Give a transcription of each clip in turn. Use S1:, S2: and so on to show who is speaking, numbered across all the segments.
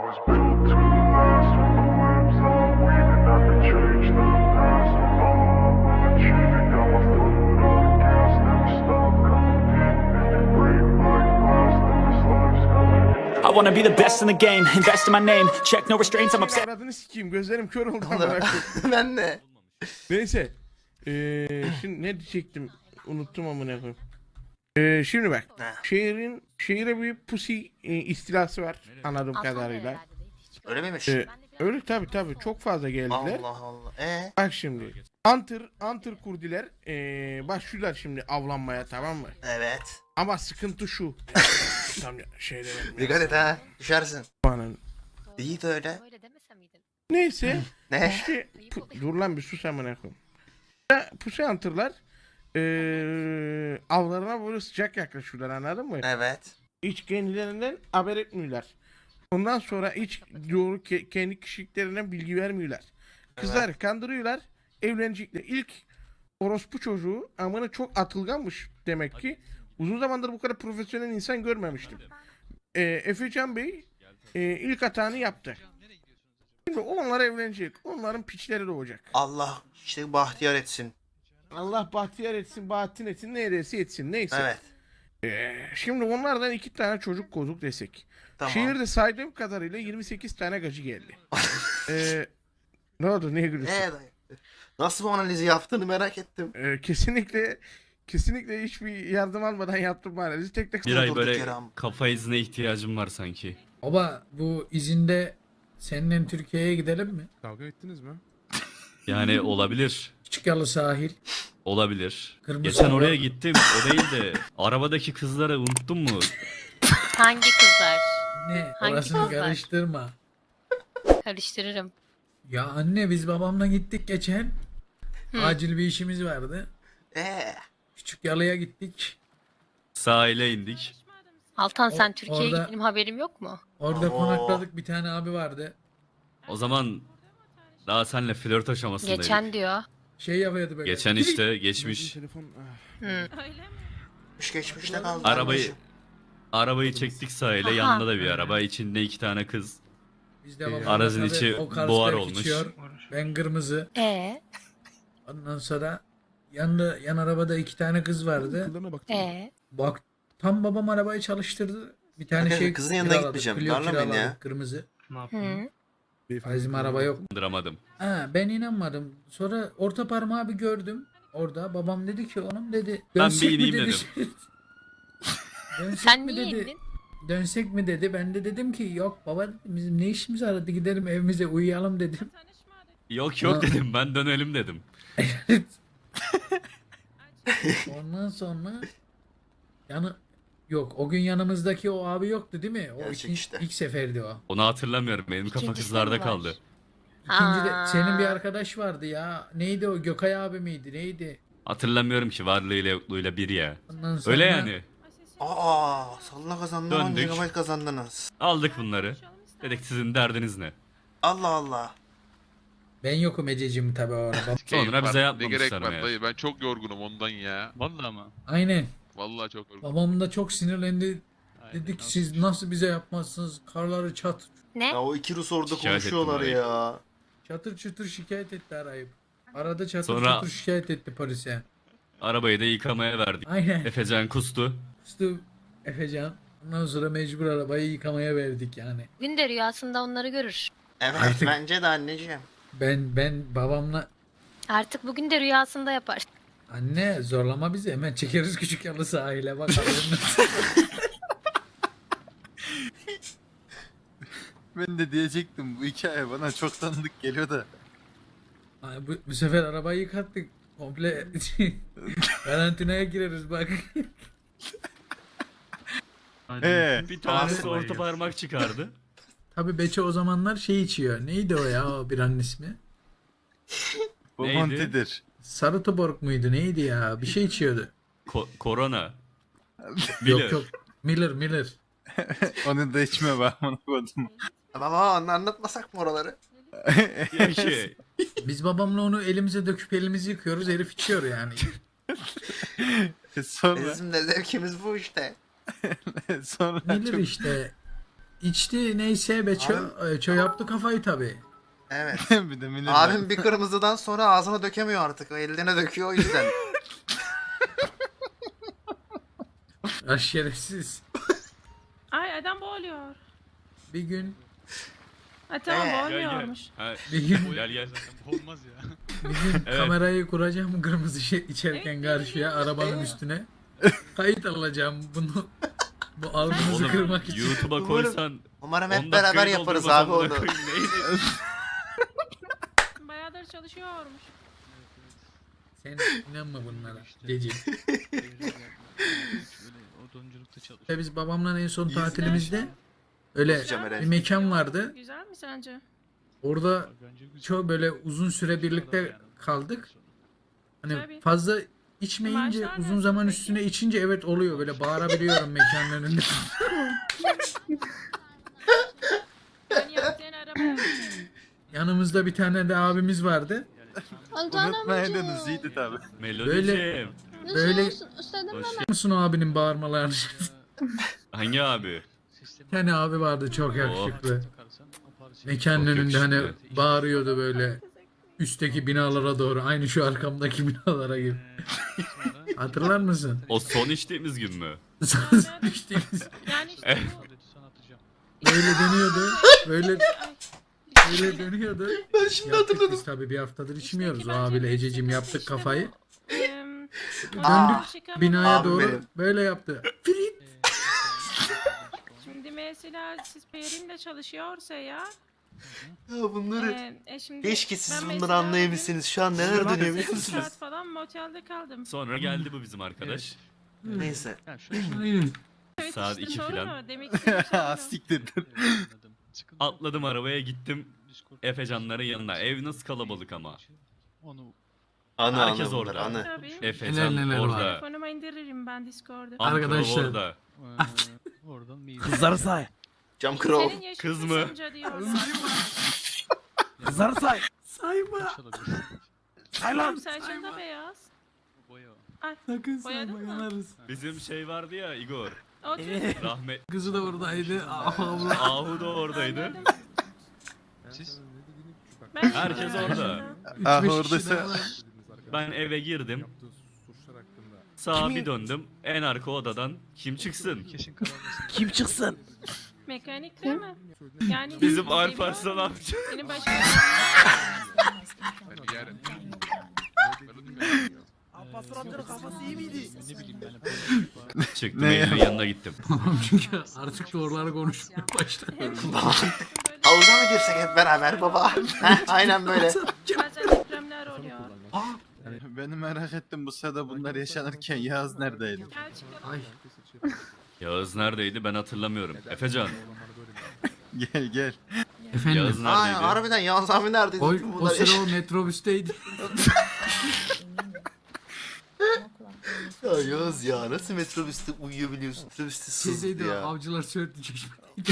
S1: was built to last with the webs that I'm weaving. I could change the past with all I will achieve. It got my foot on the gas, never stop competing. If you break my glass, then this life's gonna end.
S2: I wanna be the best in the game, invest in my name, check no restraints, I'm obsessed.
S3: Aradığını sikeyim, gözlerim kör oldu amına koyayım.
S4: Ben de.
S3: Neyse. Şimdi ne diyecektim? Unuttum amına koyayım. Şimdi bak. Şehire bir pusi istilası var anladığım kadarıyla.
S4: Öyle miymiş?
S3: Öyle tabi çok fazla geldiler.
S4: Allah Allah.
S3: Bak şimdi. Hunter kurdiler. Başlıyorlar şimdi avlanmaya, tamam mı?
S4: Evet.
S3: Ama sıkıntı şu. Tam şeyde
S4: Dikkat et ha. Düşersin.
S3: benim.
S4: İyi de öyle.
S5: Öyle demese miydin?
S3: Neyse.
S4: Ne?
S3: İşte dur lan bir sus amına koyayım. Pusi hunter'lar avlarına böyle sıcak yaklaşıyorlar, anladın mı?
S4: Evet.
S3: Hiç kendilerinden haber etmiyorlar. Ondan sonra hiç doğru kendi kişiliklerinden bilgi vermiyorlar. Kızlar kandırıyorlar, evlenecekler. İlk orospu çocuğu amına çok atılganmış demek ki. Uzun zamandır bu kadar profesyonel insan görmemiştim. Efecan Bey ilk hatanı yaptı. Şimdi onlar evlenecek. Onların piçleri doğacak.
S4: Allah işte bahtiyar etsin.
S3: Allah bahtiyar etsin, bahattin etsin, neresi etsin, neyse.
S4: Evet.
S3: Şimdi onlardan 2 tane çocuk kozuk desek.
S4: Tamam.
S3: Şehirde saydığım kadarıyla 28 tane gacı geldi. Ne oldu, niye gülüyorsun?
S4: Dayı? Nasıl bu analizi yaptığını merak ettim.
S3: Kesinlikle hiçbir yardım almadan yaptım bu analizi. Tek tek
S6: Bir ay
S4: durduk
S6: böyle
S4: yere ama.
S6: kafa izine ihtiyacım var sanki.
S7: Baba bu izinde seninle Türkiye'ye gidelim mi?
S3: Kavga ettiniz mi?
S6: Yani olabilir.
S7: Küçük Yalı sahil.
S6: Olabilir.
S7: Kırmızı
S6: Geçen
S7: hava.
S6: oraya gittim. O değil de arabadaki kızları unuttun mu?
S5: Hangi kızlar?
S7: Ne?
S5: Hangi
S7: Orasını
S5: kızlar?
S7: karıştırma.
S5: Karıştırırım.
S7: Ya anne biz babamla gittik geçen. Acil bir işimiz vardı. Küçük Yalı'ya gittik.
S6: Sahile indik.
S5: Altan sen Türkiye'ye
S7: orada-
S5: gittiğim haberim yok mu?
S7: Orada
S4: Oo.
S7: konakladık, bir tane abi vardı.
S6: O zaman daha senle flört aşamasındaydık.
S5: Geçen diyor.
S7: Şey yapıyordu böyle.
S6: Geçen işte geçmiş.
S3: Telefon.
S5: Hı.
S4: Geçmişte kaldı.
S6: Arabayı çektik sahile.
S5: Aha.
S6: Yanında da bir araba. İçinde 2 tane kız.
S7: Biz de babamla
S6: Aracın
S7: tabii
S6: içi
S7: o Carlsberg
S6: buhar olmuş.
S7: içiyor, ben kırmızı. Ondan sonra yan arabada 2 tane kız vardı.
S3: Kıllarına baktım.
S7: Bak tam babam arabayı çalıştırdı. Bir tane
S4: Arkadaşlar,
S7: şey
S4: kızın yanına
S7: kiraladık,
S4: gitmeyeceğim.
S7: Clio
S4: Darlamayın ya.
S7: kiraladık, kırmızı.
S5: Hı.
S7: Bizim araba yok.
S6: Kandıramadım.
S7: Ha, ben inanmadım. Sonra orta parmağı bir gördüm. Orada babam dedi ki onun dedi.
S6: Ben
S7: "Dönsek
S6: bir
S7: mi?"
S6: ineyim
S7: dedi.
S6: dedim.
S7: Dönsek
S5: Sen
S7: mi
S5: niye
S7: dedi.
S5: indin?
S7: Dönsek mi dedi. Ben de dedim ki yok baba dedim, bizim ne işimiz var, hadi gidelim evimize uyuyalım dedim.
S6: Yok yok
S7: Ha.
S6: dedim. Ben dönelim dedim.
S7: Ondan sonra yok o gün yanımızdaki o abi yoktu değil mi? O
S4: Gerçek işte.
S7: ilk seferdi o.
S6: Onu hatırlamıyorum. Benim kafa
S5: İkincisi
S6: kızlarda
S5: mi var?
S6: kaldı.
S7: İkinci de
S5: Aa.
S7: senin bir arkadaş vardı ya. Neydi o? Gökay abi miydi? Neydi?
S6: Hatırlamıyorum ki varlığıyla yokluğuyla bir ya.
S7: Ondan sonra
S6: Öyle yani.
S4: Salla kazandın 10
S6: Döndük.
S4: GB kazandınız.
S6: Aldık bunları. Dedik sizin derdiniz ne?
S4: Allah Allah.
S7: ben yokum Ececiğim tabii o arada.
S6: Sonra bize
S8: Ne
S6: yapmamışlar
S8: gerek var
S6: meğer.
S8: dayı, ben çok yorgunum ondan ya.
S9: Vallahi ama.
S7: Aynen.
S8: Vallahi çok yorgunum.
S7: Babam da çok sinirlendi. Dedi ki siz nasıl bize yapmazsınız? Karları
S5: Ne?
S4: Ya o iki Rus orada
S6: Şikayet
S4: konuşuyorlar
S6: ettim
S4: ya.
S7: çatır çutur şikayet etti arayıp. Arada çatır
S6: Sonra-
S7: çutur şikayet etti polise.
S6: Arabayı da yıkamaya verdik.
S7: Aynen.
S6: Efecan kustu.
S7: Üstü Efecan. Ondan sonra mecbur arabayı yıkamaya verdik yani.
S5: Bugün de rüyasında onları görür.
S4: Evet
S7: Artık-
S4: bence de anneciğim.
S7: Ben babamla
S5: Artık bugün de rüyasında yapar.
S7: anne zorlama bizi, hemen çekeriz Küçük Yalı sahile bak.
S9: Ben de diyecektim bu hikaye bana çok tanıdık geliyor da.
S7: Ay, bu sefer arabayı yıkattık. Komple karantinaya gireriz bak.
S6: Bir tanesi orta parmak çıkardı.
S7: Tabi Beçe o zamanlar şey içiyor. Neydi o ya o biranın ismi?
S9: Bu
S6: Neydi?
S9: Monti'dir.
S7: Sarı Tuborg muydu neydi ya? Bir şey içiyordu.
S6: Korona.
S7: Yok yok. Miller.
S9: Onu da içme bak onu koydum.
S4: Baba anlatmasak mı oraları?
S6: Ya ki
S7: Biz babamla onu elimize döküp elimizi yıkıyoruz. Herif içiyor yani.
S9: Sonra
S4: Bizim de zevkimiz bu işte.
S9: sonra
S7: Miller
S9: çok
S7: işte. içti neyse Beço yaptı kafayı tabi.
S4: Evet.
S9: Bir de millet.
S4: Abim bir kırmızıdan sonra ağzına dökemiyor artık. O eline döküyor o yüzden.
S7: Şerefsiz.
S10: Ay adam boğuluyor.
S7: Bir gün
S10: Ay tamam
S4: Gel,
S6: Gel
S10: boğuluyormuş.
S6: gel. Ha,
S7: bir gün
S6: gel gel.
S8: Olmaz ya.
S7: bir gün
S6: Evet.
S7: kamerayı kuracağım kırmızı şey içerken
S10: Evet,
S7: karşıya arabanın üstüne. Kayıt alacağım bunu. Bu algınızı
S6: Oğlum
S7: kırmak için.
S6: YouTube'a koysan
S4: Umarım
S6: 10
S4: hep beraber
S6: dakikayı
S4: yaparız
S6: doldurmaz
S4: abi
S6: amına
S4: onu.
S6: koyayım, neydi?
S10: Bayağıdır çalışıyormuş.
S7: Sen inanma bunlara. Gece.
S8: Odunculukta çalış.
S7: Ve biz babamla en son tatilimizde öyle
S4: Güzel.
S7: bir mekan vardı.
S10: Güzel mi sence?
S7: Orada çok böyle uzun süre birlikte kaldık. Hani
S10: Tabii.
S7: fazla içmeyince
S10: Maaşlar
S7: uzun
S10: nasıl
S7: zaman
S10: peki?
S7: üstüne içince evet oluyor böyle bağırabiliyorum mekanın önünde.
S10: Ben yaptığın arabaya bindim.
S7: Yanımızda bir tane de abimiz vardı.
S9: Unutmaydınız iyiydi tabi.
S6: Melodi'ciğim.
S7: Böyle
S6: Hoş
S7: musun o abinin bağırmalarını?
S6: Hangi abi?
S7: Bir tane abi vardı çok yakışıklı. Mekanın
S6: Çok
S7: önünde hani
S6: yakışıklı.
S7: bağırıyordu böyle üstteki binalara doğru aynı şu arkamdaki binalara gibi. Hatırlar mısın?
S6: O son içtiğimiz gün mü?
S7: Düştüğümüz
S10: Yani işte bu.
S7: böyle dönüyordu. Böyle böyle dönüyordu.
S4: Ben şimdi
S7: Yaptık
S4: hatırladım.
S7: biz tabii bir haftadır içmiyoruz o abiyle Ececiğim yaptık kafayı.
S10: Döndük
S7: Binaya
S4: Abi
S7: doğru
S4: benim.
S7: böyle yaptı. Frit.
S10: Şimdi mesela siz Perin'le çalışıyorsa ya.
S4: Ya bunları
S10: Şimdi
S4: keşke siz
S10: ben
S4: bunları
S10: mesela
S4: anlayabilseniz. Şu an neler dönüyor biliyor
S10: 8
S4: musunuz?
S10: saat falan motelde kaldım.
S6: Sonra geldi bu bizim arkadaş.
S4: Neyse.
S7: Aynen.
S10: Evet,
S6: Saat
S10: işte
S6: 2
S10: doğru
S6: filan.
S10: mu? Demek istediğim şey o.
S9: Siktir.
S6: Atladım arabaya gittim Efecanların yanına. Ev nasıl kalabalık ama.
S4: Anı
S6: Herkes
S4: anı bunlar,
S6: orada.
S4: anı.
S10: Tabii.
S6: Efecan
S7: Neler var.
S6: orada.
S10: Telefonuma indiririm ben Discord'u.
S6: Ankara
S7: Arkadaşlar.
S6: orada.
S11: Kızları say.
S4: Cam kral.
S10: Senin yaşın
S6: Kız mı?
S10: kısımca diyorlar.
S11: Kızları say.
S7: Sayma.
S11: Say lan.
S10: Saçın da beyaz. Ay,
S7: Sakın
S10: Boyadın
S7: sayma
S10: mı?
S7: yanarız.
S6: Bizim şey vardı ya Igor.
S10: o çocuk.
S6: Rahmet.
S7: Kızı da oradaydı. Allah.
S6: Ahu da oradaydı.
S10: Anladım. Ben
S6: Herkes orada.
S9: Ah,
S7: 3-5
S9: oradaysa-
S7: kişi daha var.
S6: Ben eve girdim. Sağa bir döndüm. En arka odadan kim çıksın?
S11: Kim çıksın?
S10: Mekanik değil mi? Yani
S6: Bizim Alparslan amca.
S10: Benim başka
S11: Alparslan amcanın kafası iyi miydi?
S6: Çıktım
S9: Ne
S6: Eylül'ün
S9: ya?
S6: yanına gittim.
S7: Çünkü artık doğruları konuşmaya başladı.
S4: Havuza mı girsek hep beraber baba? Heh, aynen böyle.
S10: bazen depremler oluyor.
S9: Beni merak ettim bu sırada bunlar yaşanırken Yağız neredeydi?
S10: Gel çıkalım.
S7: Ay.
S6: Yağız neredeydi ben hatırlamıyorum. Efecan.
S9: Gel gel.
S7: Efendim.
S6: Yağız
S4: Aa,
S6: neredeydi?
S4: harbiden Yağız abi neredeydi?
S7: O,
S4: Bütün
S7: o
S4: bunlar
S7: sıra o metrobüsteydi.
S4: Ya Yağız ya nasıl metrobüste uyuyabiliyorsun? Metrobüste sızdı
S7: Şeydeydi o
S4: ya.
S7: avcılar söğütlü çeşme.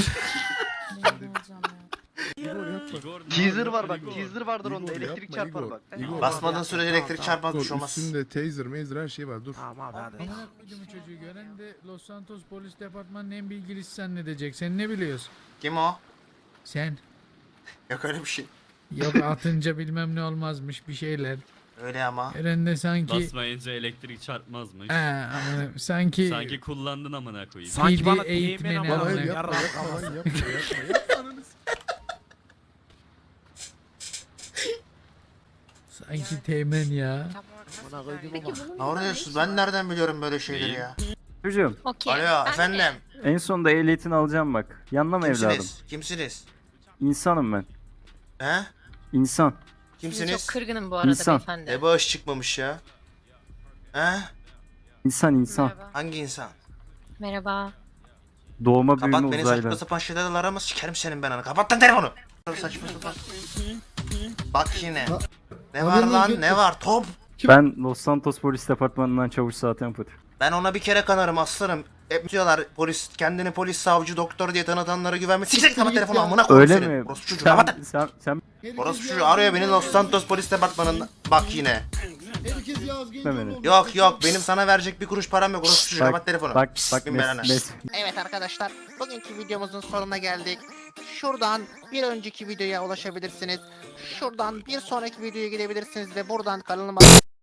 S6: Igor,
S11: Teaser var bak. Teaser vardır onda. Elektrik çarpar bak.
S4: Basmadığın sürece elektrik çarpmaz bir şey olmaz.
S12: Üstünde taser, mazer her şey var. Dur.
S11: Tamam abi hadi.
S7: Amına koydum çocuğu gören de Los Santos Polis Departmanı'nın en bilgilisi zannedecek. Sen ne biliyorsun?
S4: Kim o?
S7: Sen.
S4: Yok öyle bir şey.
S7: Yok atınca bilmem ne olmazmış bir şeyler.
S4: Öyle ama.
S7: Gören de sanki...
S6: basmayınca elektrik çarpmazmış.
S7: Ama sanki...
S6: Sanki kullandın amına koyayım.
S11: Sanki bana
S7: Bildiği eğitmeni
S11: eğitmeni ama.
S7: alın.
S12: Hayır
S11: Yarra
S12: yapma yapma lan yapma yapma.
S7: Sanki teğmen ya.
S4: Ne oluyorsunuz? Ben nereden biliyorum böyle şeyleri ya?
S13: Çocuğum
S5: Okey.
S4: Alo
S5: Ben de-
S4: efendim.
S13: en sonunda ehliyetini alacağım bak. Yanına mı evladım?
S4: Kimsiniz? Kimsiniz?
S13: İnsanım ben.
S4: He?
S13: İnsan.
S5: Sizi
S4: Kimsiniz?
S5: çok kırgınım bu arada
S13: İnsan.
S5: beyefendi.
S4: Ne bağış çıkmamış ya? He?
S13: İnsan insan.
S5: Merhaba.
S4: Hangi insan?
S5: Merhaba.
S13: Doğma
S4: Kapat
S13: büyüme
S4: beni saçma
S13: uzaylı.
S4: sapan şeylerle arama sikerim senin ben anı. Kapat lan telefonu. Saçma sapan. Bak yine. Ne var lan ne var top?
S13: Ben Los Santos Polis Departmanı'ndan çavuş saat empati.
S4: Ben ona bir kere kanarım aslanım. Hep diyorlar polis kendini polis savcı doktor diye tanıtanlara güvenme. Siktir kapat telefonu amına koyayım
S13: Öyle
S4: senin.
S13: mi?
S4: Orospu çocuğu kapat.
S13: Sen
S4: Orospu çocuğu arıyor beni Los Santos polis departmanında. Bak yine.
S12: Herkes Yağız Gencoğlu
S13: Beni.
S12: oldu.
S4: Yok benim sana verecek bir kuruş param yok. Orası çocuğu kapat telefonu.
S13: Bak
S4: Bin belanı.
S11: Evet arkadaşlar, bugünkü videomuzun sonuna geldik. Şuradan bir önceki videoya ulaşabilirsiniz. Şuradan bir sonraki videoya gidebilirsiniz ve buradan kanalıma